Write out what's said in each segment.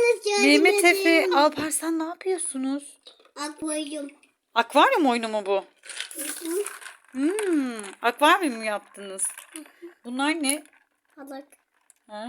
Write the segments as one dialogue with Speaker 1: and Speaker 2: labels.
Speaker 1: Mehmet Efe, Alparslan ne yapıyorsunuz?
Speaker 2: Akvaryum.
Speaker 1: Akvaryum oyunu mu bu? Akvaryum mu yaptınız? Bunlar ne?
Speaker 2: Balık.
Speaker 1: Ha.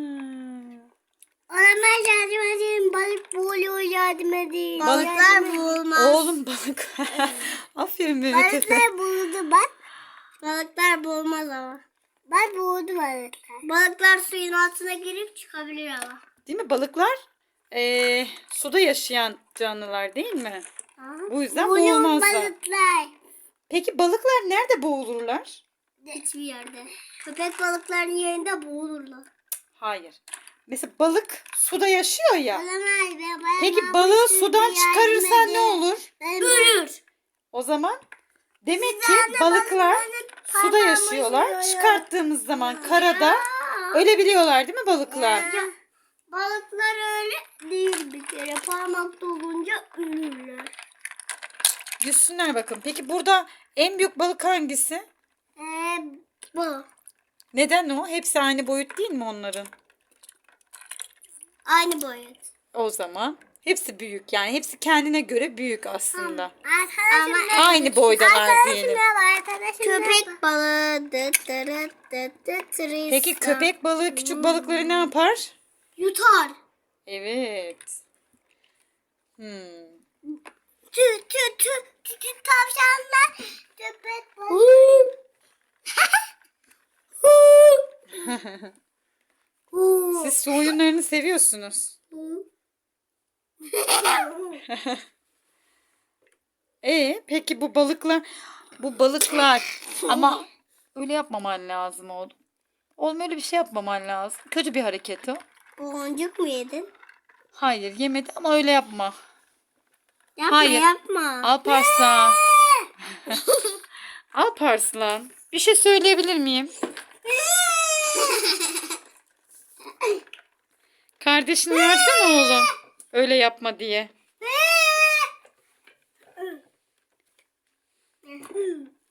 Speaker 2: Olamaz, yardım edin. Balık boğuluyor, yardım edin.
Speaker 1: Balıklar
Speaker 2: Balıklar boğulmaz.
Speaker 1: Oğlum balık. Aferin Mehmet Efe.
Speaker 2: Balıklar boğuldu bak. Balıklar boğulmaz ama. Bak boğuldu balıklar. Balıklar suyun altına girip çıkabilir ama.
Speaker 1: Değil mi? Balıklar suda yaşayan canlılar değil mi? Bu yüzden
Speaker 2: Boğuluyor
Speaker 1: boğulmazlar.
Speaker 2: balıklar.
Speaker 1: Peki balıklar nerede boğulurlar?
Speaker 2: Hiçbir yerde. Köpek balıkların yerinde boğulurlar.
Speaker 1: Hayır. Mesela balık suda yaşıyor ya.
Speaker 2: Olamaz be.
Speaker 1: Peki balığı sudan çıkarırsan ne olur?
Speaker 2: Ölür.
Speaker 1: O zaman demek ki balıklar suda yaşıyorlar. Çıkarttığımız zaman karada ölebiliyorlar değil mi balıklar?
Speaker 2: Balıklar öyle değil bir kere. Parmak dolunca ölürler.
Speaker 1: Yüzsünler bakın. Peki burada en büyük balık hangisi?
Speaker 2: Bu.
Speaker 1: Neden o? Hepsi aynı boyut değil mi onların?
Speaker 2: Aynı boyut.
Speaker 1: O zaman hepsi büyük yani. Hepsi kendine göre büyük aslında.
Speaker 2: Ama
Speaker 1: Aynı boydalar diyelim.
Speaker 2: köpek balığı.
Speaker 1: Peki köpek balığı küçük balıkları ne yapar?
Speaker 2: Yutar.
Speaker 1: Evet.
Speaker 2: Tavşanlar. Köpek balığı.
Speaker 1: Siz su oyunlarını seviyorsunuz. Peki bu balıklar ama öyle yapmaman lazım oğlum. Oğlum öyle bir şey yapmaman lazım. Kötü bir hareket o.
Speaker 2: Boncuk mu yedin?
Speaker 1: Hayır yemedi ama öyle yapma.
Speaker 2: Yapma
Speaker 1: Hayır.
Speaker 2: yapma.
Speaker 1: Alparslan. Alparslan. Bir şey söyleyebilir miyim? Kardeşini versene oğlum. Öyle yapma diye.